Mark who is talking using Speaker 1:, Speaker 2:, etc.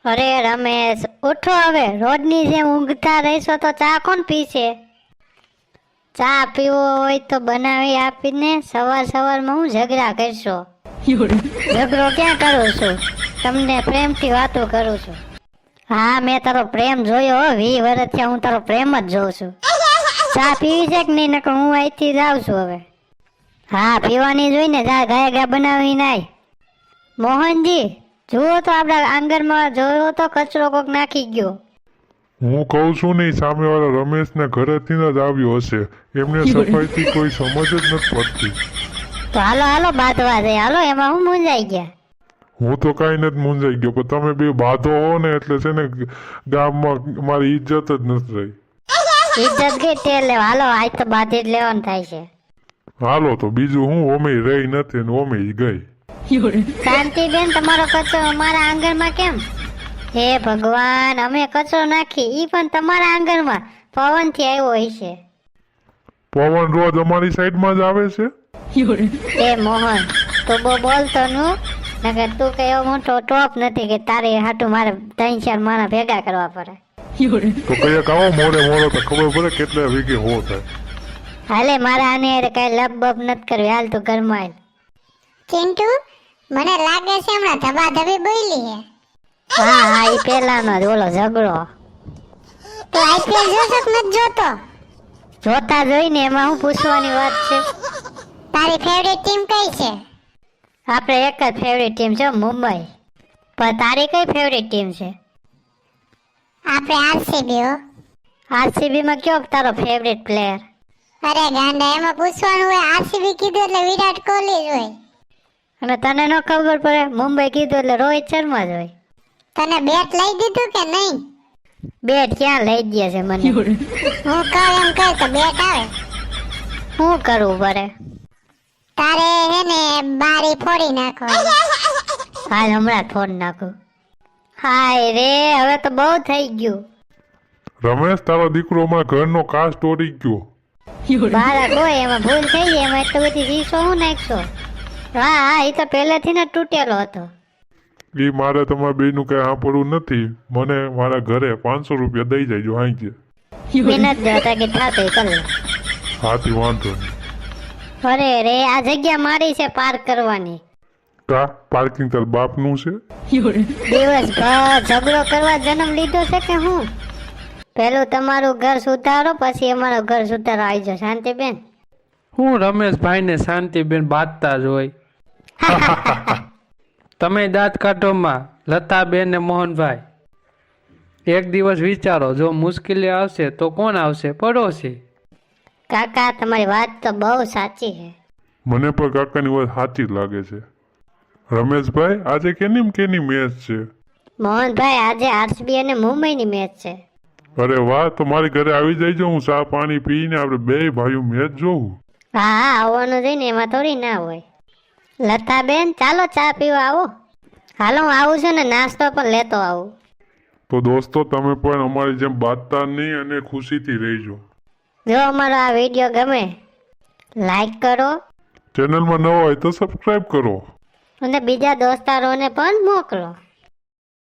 Speaker 1: અરે રમેશ, ઉઠો હવે. રોજની જેમ ઊંઘતા રહેશો તો ચા કોણ પીશે? ચા પીવો હોય તો બનાવી આપીને સવારમાં હું ઝઘડા કરશો? ઝઘડો ક્યાં કરું છું? તમને પ્રેમથી વાતો કરું છું. હા, મેં તારો પ્રેમ જોયો હો. 20 વર્ષથી હું તારો પ્રેમ જ જોઉં છું. ચા પીવી છે કે નહીં? નકર હું અહીંથી જાઉં છું હવે. હા, પીવાની જોઈને ગાય બનાવી નાય. મોહનજી, જુઓ તો આપણા આંગણમાં જોયો તો કચરો કોક નાખી ગયો.
Speaker 2: હું કહું છું નહીં, સામેવાળા રમેશને ઘરેથી જ આવ્યો હશે. એમને સફાઈથી કોઈ સમજ જ નથી પડતી.
Speaker 1: તો હાલો બાંધવા જઈએ. હાલો, એમાં હું મૂંઝાઈ ગયા.
Speaker 2: હું તો કાંઈ નથી મૂંઝાઈ ગયો, પણ તમે બે બાધો હો ને એટલે છે ને ગામમાં મારી ઇજ્જત જ નથી રહી.
Speaker 1: ઇજ્જત ગઈ તે લેવા. હાલો, આજ તો બાંધી જ લેવાનું થાય છે.
Speaker 2: હાલો તો બીજું હું, ઓમેય રહી નથી ને ઓમેય ગઈ.
Speaker 1: શાંતિબેન, તમારો કચરો અમારા આંગણમાં કેમ? હે ભગવાન, અમે કચરો નાખી ઈ પણ તમારા આંગણમાં પવનથી આવ્યો હશે.
Speaker 2: પવન રોજ અમારી સાઈડમાં જ આવે છે.
Speaker 1: એ મોહન, તું બહુ બોલતો નું. નકર તું કઈ એવો મોટો ટોપ નથી કે તારે હાટું મારે 3-4 માણસ ભેગા કરવા પડે.
Speaker 2: તો કઈક આવો મોડે તો ખબર પડે કેટલા વીઘે હો થાય.
Speaker 1: હાલે, મારા આને કઈ લબબ નથી કરવી. હાલ તું ઘરમાં હાલ.
Speaker 3: ચિંટુ, મને લાગે છે હમણાં ધબાધબી બોલી હે.
Speaker 1: હા, ઈ પેલાનો જ ઓલો ઝઘડો.
Speaker 3: તો આઈપીએલ જોશો કે નથી જોતો?
Speaker 1: જોતા જોઈને એમાં હું પૂછવાની વાત છે?
Speaker 3: તારી ફેવરેટ ટીમ કઈ છે?
Speaker 1: આપણે એક જ ફેવરેટ ટીમ છે, મુંબઈ. પણ તારી કઈ ફેવરેટ ટીમ છે?
Speaker 3: આપણે આરસીબી હો.
Speaker 1: આરસીબી માં કયો તારો ફેવરેટ પ્લેયર?
Speaker 3: અરે ગાંડા, એમાં પૂછવાનું હોય. આરસીબી કીધું એટલે વિરાટ કોહલી જ હોય.
Speaker 1: અને તને ન ખબર પડે? મુંબઈ કીધું એટલે રોહિત શર્મા જ હોય.
Speaker 3: તને બેટ લઈ દીધું કે નહીં?
Speaker 1: બેટ ક્યાં લઈ દે છે મને?
Speaker 3: હું કહું એમ કહે તો બેટ આવે.
Speaker 1: શું કરવું પડે?
Speaker 3: તારે હે ને બારી ફોડી નાખવાની.
Speaker 1: હાલ હમણાં ફોન નાખું. હાય રે, હવે તો બહુ થઈ ગયું.
Speaker 2: રમેશ, તારો દીકરો અમારા ઘરનો કાચ તોડી ગયો.
Speaker 1: બાળક હોય એમાં ભૂલ થઈ જાય, એમાં એટલી બધી શીશો હું નાખશો? હા, એ તો પહેલેથી ને તૂટેલો હતો.
Speaker 2: એ મારે તમારા બેનું કઈ સાંભળવું નથી. મને મારા ઘરે 500 રૂપિયા દઈ જાય હાઈ ગયા.
Speaker 1: મહેનત દેતા કે થાતો કર લે.
Speaker 2: હાથી વાંધો નહીં.
Speaker 1: અરે રે, આ જગ્યા મારી છે પાર્ક કરવાની.
Speaker 2: કા પાર્કિંગ તાર બાપનું છે?
Speaker 1: દિવસભર ઝઘડો કરવા જન્મ લીધો છે કે હું? પેલું તમારું ઘર સુધારો, પછી અમારું ઘર સુધારો આવી જાય. શાંતિબેન,
Speaker 4: હું રમેશભાઈને શાંતિબેન બાંધતા જ હોય. તમે દાંત કાઢોમાં લતાબેન ને મોહનભાઈ. એક દિવસ વિચારો, જો મુશ્કેલી આવશે તો કોણ આવશે? પડોશી.
Speaker 1: કાકા તમારી વાત તો બહુ સાચી છે.
Speaker 2: મને પણ કાકાની વાત સાચી જ લાગે છે. રમેશભાઈ, આજે કેની મેચ છે?
Speaker 1: મોહનભાઈ, આજે આરસીબી અને મુંબઈની મેચ છે.
Speaker 2: અરે વાહ, તો મારી ઘરે આવી જઈજો. હું ચા પાણી પીને આપણે બે ભાઈઓ મેચ જોઉં.
Speaker 1: હા, આવવાનું જોઈને એમાં થોડી ના હોય. લતાબેન, ચાલો ચા પીવા આવો. હાલો, હું આવું છું ને નાસ્તો પણ લેતો આવું.
Speaker 2: તો દોસ્તો, તમે પણ અમારી જેમ બાંધતા નહીં અને ખુશીથી રહેજો.
Speaker 1: જો અમારો આ વિડીયો ગમે, લાઈક કરો.
Speaker 2: ચેનલમાં નવા હોય તો સબસ્ક્રાઈબ કરો.
Speaker 1: અને બીજા દોસ્તારોને પણ મોકલો.